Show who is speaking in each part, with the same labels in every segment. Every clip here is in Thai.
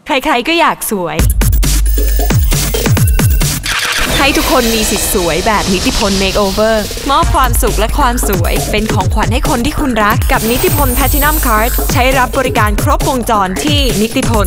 Speaker 1: ใครๆก็อยากสวยให้ทุกคนมีสิทธิ์สวยแบบนิติพล Makeover มอบความสุขและความสวยเป็นของขวัญให้คนที่คุณรักกับนิติพล Platinum Card ใช้รับบริการครบวงจรที่นิติพล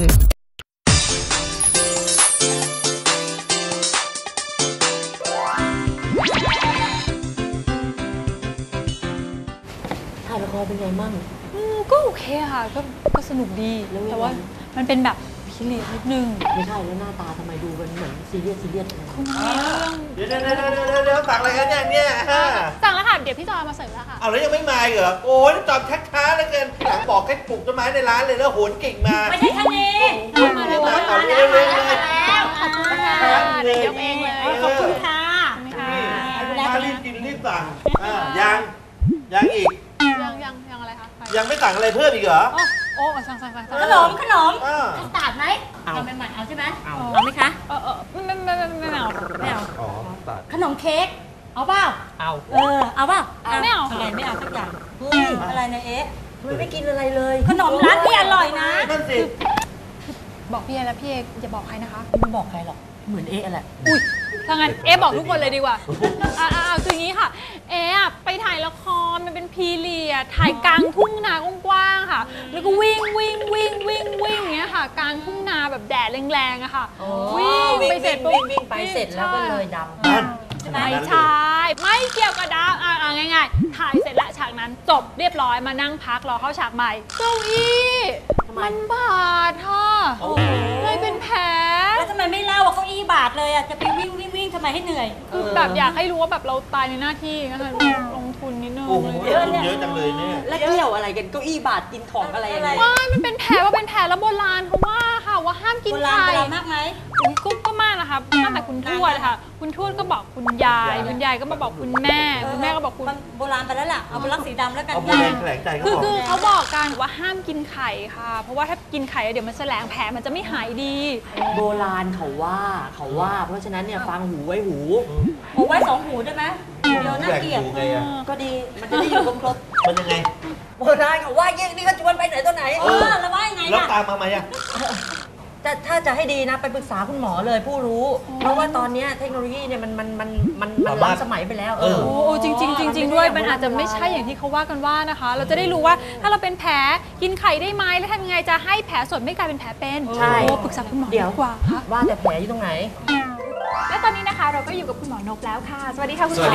Speaker 2: ถ่ายละครเป็นไงมั่ง
Speaker 3: ก็โอเคค่ะก็สนุกดีแต่ว่ามันเป็นแบบพิเรนนิดนึง
Speaker 2: ไม่ใช่แล้วหน้าตาทำไมดูเป็นเหมือนซีเรียส
Speaker 3: คุณ
Speaker 4: เดี๋ยวสั่งอะไรกันเนี่ย
Speaker 3: สั่งแล้วค่ะเดี๋ยวพี่จอยมาเสิร์ฟแล้วค่ะ
Speaker 4: เอาแล้วยังไม่มาเหรอโอ้ยจอดช้าๆแล้วเกินหลังบอกให้ปลูกต้นไม้ในร้านเลยแล้วโหนกิ่งมา
Speaker 2: ไม่ใช่ท่านนี้
Speaker 3: มาแล้วขอบคุณค่ะเดี๋ยวยกเองเลย
Speaker 2: ขอบคุณค่ะ
Speaker 4: รีบกินรีบสั่งยังอีก
Speaker 3: ยังอะไรคะ
Speaker 4: ยังไม่สั่งอะไรเพิ่มอีกเหรอ
Speaker 3: โอ้สั่ง
Speaker 2: ขนมคัสตาร์ดไหมเอาใหม่ๆเอาใช่ไหมเอาไหมคะ
Speaker 3: ไม่เอา
Speaker 4: อ๋อตัด
Speaker 2: ขนมเค้กเอาเปล่าเอาเอาเปล่า
Speaker 3: ไม่เอา
Speaker 2: อะไรไม่เอาสักอย่างอะไรนะเอ๊ะทำไมไม่กินอะไรเลยขนมร้านพี่อร่อยนะ
Speaker 4: นั่นสิ
Speaker 3: บอกพี่เอแล้วพี่เออย่าบอกใครนะคะ
Speaker 2: ไม่บอกใครหรอกเหมือนเอ๊ะแหละ
Speaker 3: อุ้ยถ้างั้นเอบอกทุกคนเลยดีกว่าคืออย่างนี้ค่ะเอไปถ่ายละครมันเป็นพีเรียดถ่ายกลางทุ่งนากว้างๆค่ะแล้วก็วิ่งอย่างเงี้ยค่ะกลางทุ่งนาแบบแดดแรงๆอะค่ะวิ่งไปเสร็จ
Speaker 2: วิ่งไปเสร็จแล้วก็เลยดำ
Speaker 3: ไม่ใช่ไม่เกี่ยวกับดำง่ายๆถ่ายเสร็จแล้วฉากนั้นจบเรียบร้อยมานั่งพักรอเข้าฉากใหม่เก้าอี้มันบาดค่ะเลยเป็นแผล
Speaker 2: แล้วทำไมไม่เล่าว่าเก้าอี้บาดเลยอ่ะจะไปวิ่งทำไมให้เหนื่อย
Speaker 3: คือแบบอยากให้รู้ว่าแบบเราตายในหน้าที่นะคะลงทุนนิดนึง
Speaker 4: เยอะจังเลยเนี่ย
Speaker 2: แล้วเกี่ยวอะไรกันเก้าอี้บาดกินของอะไร
Speaker 3: ไม่มันเป็นแผลว่าเป็นแผลแล้วโบราณเขาว่าค่ะว่าห้ามกินไข่
Speaker 2: โบราณมากไหม
Speaker 3: ก็มากนะคะตั้งแต่คุณทวดค่ะคุณทวดก็บอกคุณยายก็มาบอกคุณแม่ก็บอกคุณ
Speaker 2: โบราณไปแล้วล่ะเอาเป็นลักสีดำแล้วกัน
Speaker 3: คือเขาบอกกันว่าห้ามกินไข่ค่ะเพราะว่าถ้ากินไข่เดี๋ยวมันแสลงแผลมันจะไม่หายดี
Speaker 2: โบราณเขาว่าเพราะฉะนั้นเนี่ยฟังหูไว้หูไว้2 หูได้ไหมเดี๋ยวน่าเกลียดก็ดีมันจะได้อยู่ครบ
Speaker 4: มันยังไง
Speaker 2: โบราณเขาว่าเยี่ยนี่ก็ชวนไปไหนตัวไหนแล้วว่ายังไง
Speaker 4: แล้วตามมาไหมอ่ะ
Speaker 2: ถ้าจะให้ดีนะไปปรึกษาคุณหมอเลยผู้รู้เพราะว่าตอนนี้เทคโนโลยีเนี่ยมันล้ำสมัยไปแล้ว
Speaker 3: จริงด้วยมันอาจจะไม่ใช่อย่างที่เขาว่ากันว่านะคะเราจะได้รู้ว่าถ้าเราเป็นแผลกินไข่ได้ไหมแล้วทำยังไงจะให้แผลสดไม่กลายเป็นแผลเป็น
Speaker 2: ใช่
Speaker 3: ปรึกษาคุณหมอดีกว่าค่ะ
Speaker 2: ว่าแต่แผลอยู่ตรงไหน
Speaker 3: และตอนนี้นะคะเราก็อยู่กับคุณหมอนกแล้วค่ะสวัสดีค่ะคุณหมอ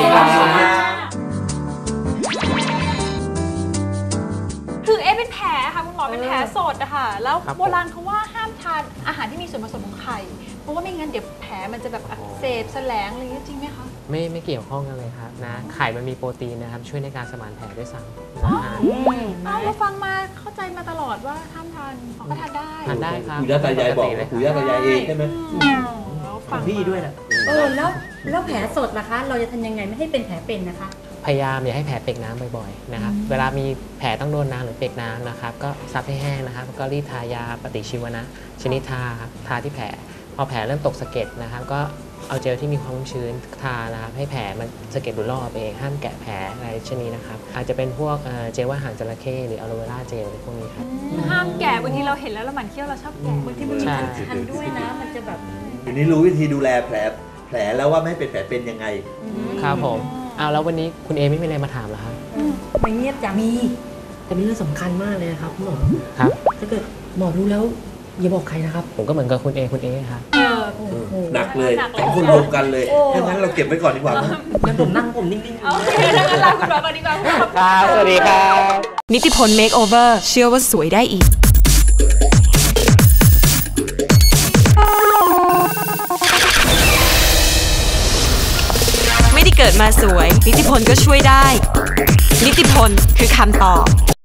Speaker 3: คือเป็นแผลค่ะคุณหมอเป็นแผลสดอะค่ะแล้วโบราณเขาว่าห้ามทานอาหารที่มีส่วนผสมของไข่เพราะว่าไม่งั้นเดี๋ยวแผลมันจะแบบอักเสบแสลงอะไรอย่างนี้จริงไหมคะ
Speaker 5: ไม่เกี่ยวข้องกันเลยครับนะไข่มันมีโปรตีนนะครับช่วยในการสมานแผลด้วยซ้ำ
Speaker 3: เราฟังมาเข้าใจมาตลอดว่าห้ามทานก็ทานได้
Speaker 5: ครับ
Speaker 4: ปู่ย่าตายายบอกปู่ย่าตายายเองใช่ไหม
Speaker 2: ฟังพี่ด้วยแหละแล้วแผลสดล่ะคะเราจะทำยังไงไม่ให้เป็นแผลเป็นนะคะ
Speaker 5: พยายามอย่าให้แผลเปียกน้ำบ่อยๆนะครับเวลามีแผลต้องโดนน้ำหรือเปียกน้ำนะครับก็ซับให้แห้งนะครับก็รีบทายาปฏิชีวนะชนิดทาที่แผลพอแผลเริ่มตกสะเก็ดนะครับก็เอาเจลที่มีความชื้นทานะครับให้แผลมันสะเก็ดหลุดลอกไปเองห้ามแกะแผลอะไรชนิดนะครับอาจจะเป็นพวกเจลว่าหางจระเข้หรืออะโลเวราเจลพวกนี้ครับ
Speaker 3: ห้ามแกะบางทีเราเห็นแล้วเราหมั่นเคี้ยวเราชอบแกะ
Speaker 2: บางทีมันมีคันด้วยนะมันจะแบบ
Speaker 4: ทีนี้รู้วิธีดูแลแผลแล้วว่าไม่ให้เป็นแผลเป็นยังไง
Speaker 5: ครับผมแล้ววันนี้คุณเอไม่มีอะไรมาถามเหรอครับ
Speaker 2: ไม่เงียบจะมีแต่มีเรื่องสำคัญมากเลยครับคุณหมอ
Speaker 5: ครับ
Speaker 2: ถ้าเกิดหมอรู้แล้วอย่าบอกใครนะครับ
Speaker 5: ผมก็เหมือนกับคุณเอครับ
Speaker 4: หนักเลย2 คนรวมกันเลยงั้นเราเก็บไว้ก่อนดีกว่า
Speaker 2: งั้นผมนั่งนิ่งๆ
Speaker 3: โอเคงั้นลาคุณหมอก่อนดีกว่า
Speaker 5: ครับสวัสดีครับ
Speaker 1: นิติพล Makeover เชื่อว่าสวยได้อีกไม่ได้เกิดมาสวยนิติพลก็ช่วยได้นิติพลคือคำตอบ